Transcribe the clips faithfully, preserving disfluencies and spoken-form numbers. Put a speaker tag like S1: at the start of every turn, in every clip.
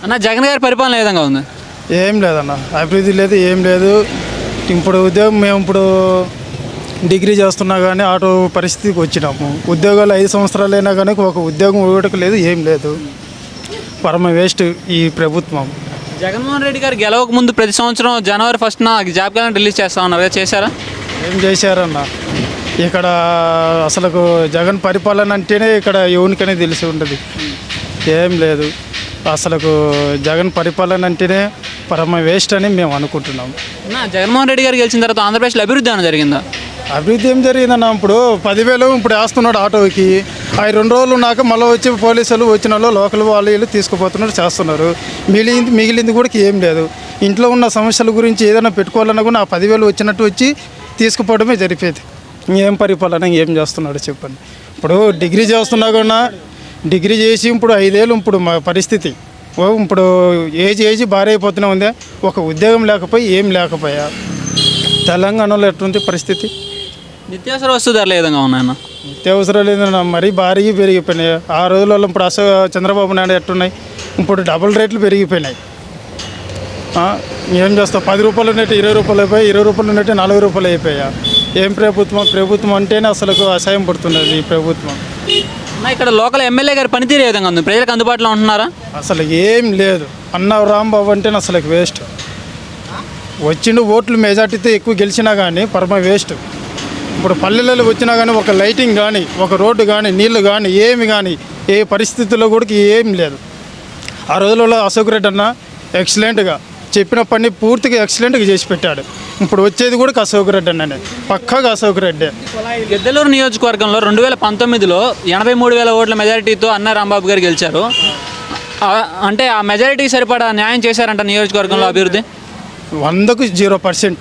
S1: అన్న జగన్ గారి పరిపాలన ఏ విధంగా ఉంది?
S2: ఏం లేదన్న, అభివృద్ధి లేదు, ఏం లేదు. ఇప్పుడు ఉద్యోగం మేము ఇప్పుడు డిగ్రీ చేస్తున్నా కానీ ఆటో పరిస్థితికి వచ్చినాము. ఉద్యోగాలు ఐదు సంవత్సరాలైనా కానీ ఒక ఉద్యోగం ఇవ్వటం లేదు, ఏం లేదు. పరమ వేస్ట్ ఈ ప్రభుత్వం.
S1: జగన్మోహన్ రెడ్డి గారు గెలవక ముందు ప్రతి సంవత్సరం జనవరి ఫస్ట్న జాబ్ క్యాలెండర్ రిలీజ్ చేస్తా ఉన్నారు కదా, చేశారా?
S2: ఏం చేశారన్న, ఇక్కడ అసలు జగన్ పరిపాలన అంటేనే ఇక్కడ ఎవరికనే తెలిసి ఉంటుంది. ఏం లేదు, అసలు జగన్ పరిపాలన అంటేనే పరమ వేస్ట్ అని మేము అనుకుంటున్నాం.
S1: అన్న జగన్మోహన్ రెడ్డి గారు గెలిచిన తర్వాత ఆంధ్రప్రదేశ్లో అభివృద్ధి ఏమైనా జరిగిందా?
S2: అభివృద్ధి ఏం జరిగిందన్న, ఇప్పుడు పదివేలు ఇప్పుడు వేస్తున్నాడు ఆటోకి. అవి రెండు రోజులు ఉన్నాక మళ్ళీ వచ్చి పోలీసులు వచ్చిన వాళ్ళు లోకల్ వాళ్ళు వీళ్ళు తీసుకుపోతున్నారు, చేస్తున్నారు. మిగిలింది మిగిలింది కూడా ఏం లేదు. ఇంట్లో ఉన్న సమస్యల గురించి ఏదైనా పెట్టుకోవాలన్నా కూడా ఆ పదివేలు వచ్చినట్టు వచ్చి తీసుకుపోవడమే జరిపేది. ఏం పరిపాలన ఏం చేస్తున్నాడు చెప్పండి. ఇప్పుడు డిగ్రీ చేస్తున్నా కూడా డిగ్రీ చేసి ఇప్పుడు ఐదేళ్ళు ఇప్పుడు మా పరిస్థితి ఇప్పుడు ఏజ్ ఏజ్ భారీ అయిపోతూనే ఉంది. ఒక ఉద్యోగం లేకపోయి ఏం లేకపోయా తెలంగాణలో ఎటువంటి పరిస్థితి.
S1: నిత్యావసర వస్తు ధరలు ఏ విధంగా ఉన్నాయన్న?
S2: నిత్యావసరాలు ఏదన్నా మరీ భారీగా పెరిగిపోయినాయి. ఆ రోజులలో ఇప్పుడు అసలు చంద్రబాబు నాయుడు ఎట్టున్నాయి, ఇప్పుడు డబుల్ రేట్లు పెరిగిపోయినాయి. ఏం చేస్తావు, పది రూపాయలు ఉన్నట్టు ఇరవై రూపాయలు అయిపోయాయి, ఇరవై రూపాయలు ఉన్నట్టు నలభై రూపాయలు అయిపోయా. ఏం ప్రభుత్వం, ప్రభుత్వం అంటేనే అసలు అసహ్యం పడుతున్నది ఈ ప్రభుత్వం.
S1: ఇక్కడ లోకల్ ఎమ్మెల్యే గారి పనితీరు ఏ విధంగా ఉంది? ప్రజలకు అందుబాటులో ఉంటున్నారా?
S2: అసలు ఏం లేదు. అన్న రాంబాబు అంటేనే అసలు వేస్ట్. వచ్చిండు ఓట్లు మెజార్టీతో ఎక్కువ గెలిచినా కానీ పరమ వేస్ట్. ఇప్పుడు పల్లెలలో వచ్చినా కానీ ఒక లైటింగ్ కానీ ఒక రోడ్డు కానీ నీళ్లు కానీ ఏమి కానీ ఏ పరిస్థితుల్లో కూడా ఏం లేదు. ఆ రోజులలో అశోక్ రెడ్డి అన్న ఎక్సలెంట్గా చెప్పిన పని పూర్తిగా ఎక్సలెంట్గా చేసి పెట్టాడు. ఇప్పుడు వచ్చేది కూడా అశోక్ రెడ్డి అన్ననే, పక్కాగా అశోక్ రెడ్డి.
S1: గిద్దలూరు నియోజకవర్గంలో రెండు వేల పంతొమ్మిదిలో ఎనభై మూడు వేల ఓట్ల మెజారిటీతో అన్న రాంబాబు గారు గెలిచారు. అంటే ఆ మెజారిటీకి సరిపడా న్యాయం చేశారంట నియోజకవర్గంలో అభివృద్ధి?
S2: వందకు జీరో పర్సెంట్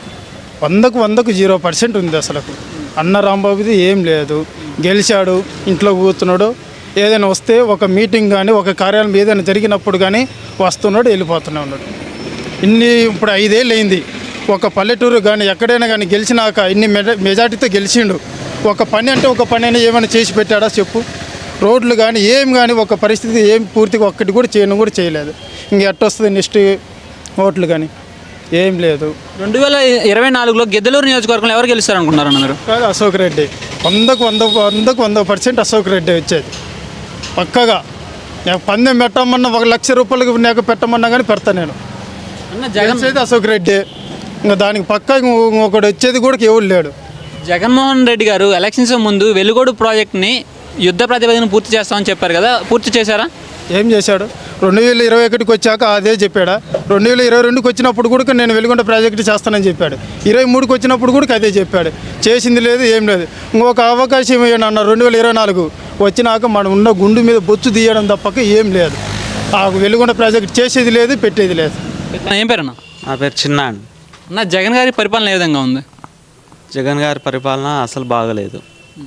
S2: వందకు వందకు జీరో పర్సెంట్ ఉంది. అసలు అన్న రాంబాబుది ఏం లేదు. గెలిచాడు, ఇంట్లో కూర్చున్నాడు. ఏదైనా వస్తే ఒక మీటింగ్ కానీ ఒక కార్యాలయం ఏదైనా జరిగినప్పుడు కానీ వస్తున్నాడు, వెళ్ళిపోతూనే ఉన్నాడు. ఇన్ని ఇప్పుడు ఐదేళ్ళు అయింది. ఒక పల్లెటూరు కానీ ఎక్కడైనా కానీ గెలిచినాక ఇన్ని మెజా మెజార్టీతో గెలిచిండు. ఒక పని అంటే ఒక పని అయినా ఏమైనా చేసి పెట్టాడా చెప్పు? రోడ్లు కానీ ఏం కానీ ఒక పరిస్థితి ఏం పూర్తిగా ఒక్కటి కూడా చేయను కూడా చేయలేదు. ఇంక ఎట్టొస్తుంది నెక్స్ట్ ఓట్లు కానీ ఏం లేదు.
S1: రెండు వేల ఇరవై నాలుగులో గిద్దలూరు నియోజకవర్గంలో ఎవరు గెలుస్తారనుకుంటున్నారన్న మీరు?
S2: కాదు, అశోక్ రెడ్డి. వందకు వంద వందకు వంద పర్సెంట్ అశోక్ రెడ్డి వచ్చేది పక్కగా. నాకు పందెం పెట్టమన్నా ఒక లక్ష రూపాయలకి నాకు పెట్టమన్నా కానీ పెడతా నేను. జగన్ అయితే అశోక్ రెడ్డి. ఇంకా దానికి పక్క ఒకటి వచ్చేది కూడా ఎవరు లేడు.
S1: జగన్మోహన్ రెడ్డి గారు ఎలక్షన్స్ ముందు వెలుగోడు ప్రాజెక్ట్ని యుద్ధ ప్రాతిపదికన పూర్తి చేస్తామని చెప్పారు కదా, పూర్తి చేశారా?
S2: ఏం చేశాడు? రెండు వేల ఇరవై ఒకటికి వచ్చాక అదే చెప్పాడా? రెండు వేల ఇరవై రెండుకి వచ్చినప్పుడు కూడా నేను వెలుగొండ ప్రాజెక్టు చేస్తానని చెప్పాడు. ఇరవై మూడుకి వచ్చినప్పుడు కూడా అదే చెప్పాడు. చేసింది లేదు, ఏం లేదు. ఇంకొక అవకాశం ఇవ్వండి అన్న రెండు వేల ఇరవై నాలుగు వచ్చినాక మనం ఉన్న గుండు మీద బొచ్చు తీయడం తప్పక ఏం లేదు. ఆ వెలుగొండ ప్రాజెక్టు చేసేది లేదు, పెట్టేది లేదు.
S1: ఏం పేరు అన్న?
S3: నా పేరు చిన్న అండి.
S1: అన్న జగన్ గారి పరిపాలన ఏ విధంగా ఉంది?
S3: జగన్ గారి పరిపాలన అసలు బాగలేదు.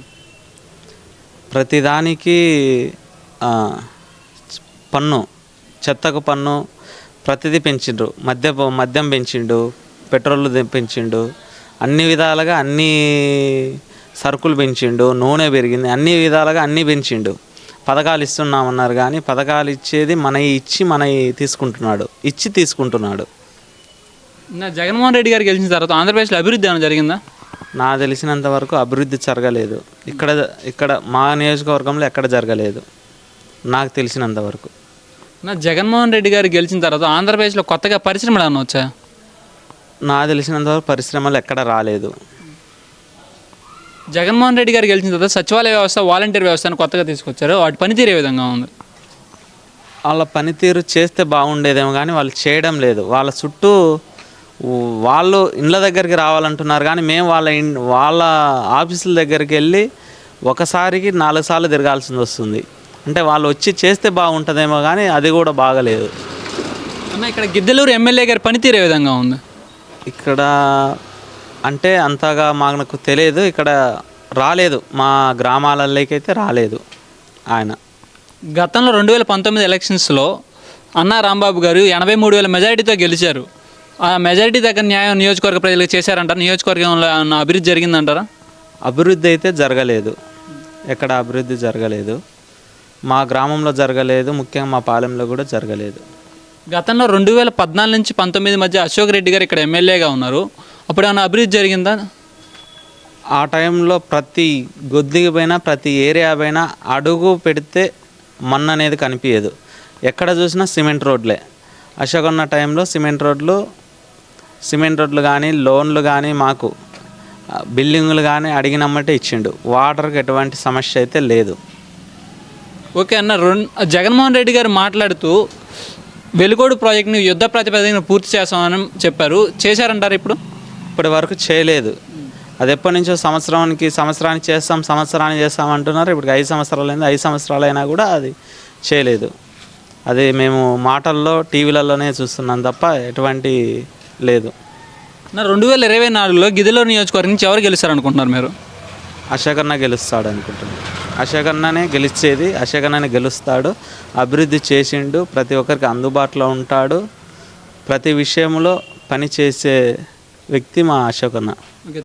S3: ప్రతిదానికి పన్ను, చెత్తకు పన్ను, ప్రతిదీ పెంచిండు. మద్య మద్యం పెంచిండు, పెట్రోల్ పెంచిండు, అన్ని విధాలుగా అన్ని సరుకులు పెంచిండు, నూనె పెరిగింది, అన్ని విధాలుగా అన్నీ పెంచిండు. పథకాలు ఇస్తున్నామన్నారు కానీ పథకాలు ఇచ్చేది మన ఇచ్చి మన తీసుకుంటున్నాడు, ఇచ్చి తీసుకుంటున్నాడు.
S1: నా జగన్మోహన్ రెడ్డి గారు గెలిచిన తర్వాత ఆంధ్రప్రదేశ్లో అభివృద్ధి ఏమైనా జరిగిందా?
S3: నా తెలిసినంత వరకు అభివృద్ధి జరగలేదు. ఇక్కడ ఇక్కడ మా నియోజకవర్గంలో ఎక్కడ జరగలేదు నాకు తెలిసినంత వరకు.
S1: నా జగన్మోహన్ రెడ్డి గారు గెలిచిన తర్వాత ఆంధ్రప్రదేశ్లో కొత్తగా పరిశ్రమలు ఏమైనా వచ్చాయా?
S3: నా తెలిసినంత వరకు పరిశ్రమలు ఎక్కడ రాలేదు.
S1: జగన్మోహన్ రెడ్డి గారు గెలిచిన తర్వాత సచివాలయ వ్యవస్థ, వాలంటీర్ వ్యవస్థను కొత్తగా తీసుకొచ్చారు. వాటి పనితీరు ఏ విధంగా ఉంది?
S3: వాళ్ళ పనితీరు చేస్తే బాగుండేదేమో కానీ వాళ్ళు చేయడం లేదు. వాళ్ళ చుట్టూ వాళ్ళు ఇండ్ల దగ్గరికి రావాలంటున్నారు కానీ మేము వాళ్ళ వాళ్ళ ఆఫీసుల దగ్గరికి వెళ్ళి ఒకసారికి నాలుగు సార్లు తిరగాల్సి వస్తుంది. అంటే వాళ్ళు వచ్చి చేస్తే బాగుంటుందేమో కానీ అది కూడా బాగలేదు.
S1: అన్న ఇక్కడ గిద్దలూరు ఎమ్మెల్యే గారి పనితీరు ఏ విధంగా ఉంది?
S3: ఇక్కడ అంటే అంతగా మాకు తెలియదు. ఇక్కడ రాలేదు, మా గ్రామాలలోకి అయితే రాలేదు ఆయన.
S1: గతంలో రెండు వేల పంతొమ్మిది ఎలక్షన్స్లో అన్నా రాంబాబు గారు ఎనభై మూడు వేల మెజారిటీతో గెలిచారు. ఆ మెజారిటీ దగ్గర న్యాయం నియోజకవర్గ ప్రజలకు చేశారంటారు. నియోజకవర్గంలో అభివృద్ధి జరిగిందంటారా?
S3: అభివృద్ధి అయితే జరగలేదు, ఎక్కడ అభివృద్ధి జరగలేదు. మా గ్రామంలో జరగలేదు, ముఖ్యంగా మా పాలెంలో కూడా జరగలేదు.
S1: గతంలో రెండు వేల పద్నాలుగు నుంచి పంతొమ్మిది మధ్య అశోక్ రెడ్డి గారు ఇక్కడ ఎమ్మెల్యేగా ఉన్నారు. అప్పుడు ఏమైనా అభివృద్ధి జరిగిందా?
S3: ఆ టైంలో ప్రతి గొద్దికి పైన ప్రతి ఏరియా పైన అడుగు పెడితే మన్ను అనేది కనిపించదు. ఎక్కడ చూసినా సిమెంట్ రోడ్లే. అశోక్ ఉన్న టైంలో సిమెంట్ రోడ్లు సిమెంట్ రోడ్లు కానీ లోన్లు కానీ మాకు బిల్డింగులు కానీ అడిగినమ్మటే ఇచ్చిండు. వాటర్కి ఎటువంటి సమస్య అయితే లేదు.
S1: ఓకే అన్న, రెండు జగన్మోహన్ రెడ్డి గారు మాట్లాడుతూ వెలుగోడు ప్రాజెక్ట్ని యుద్ధ ప్రాతిపదికన పూర్తి చేస్తామని చెప్పారు. చేశారంటారు ఇప్పుడు?
S3: ఇప్పటి వరకు చేయలేదు. అది ఎప్పటి నుంచో సంవత్సరానికి సంవత్సరానికి చేస్తాం సంవత్సరానికి చేస్తాం అంటున్నారు. ఇప్పుడు ఐదు సంవత్సరాలు అయింది. ఐదు సంవత్సరాలు అయినా కూడా అది చేయలేదు. అది మేము మాటల్లో టీవీలలోనే చూస్తున్నాం తప్ప ఎటువంటి లేదు.
S1: నా రెండు వేల ఇరవై నాలుగులో గిద్దలూరు నియోజకవర్గం నుంచి ఎవరు గెలుస్తారు అనుకుంటున్నారు మీరు?
S3: అశోక్ అన్న గెలుస్తాడు అనుకుంటున్నాను. అశోక్ అన్ననే గెలిచేది. అశోక్ అన్ననే గెలుస్తాడు. అభివృద్ధి చేసిండు. ప్రతి ఒక్కరికి అందుబాటులో ఉంటాడు. ప్రతి విషయంలో పని చేసే వ్యక్తి మా అశోక్ అన్న.
S1: ఓకే.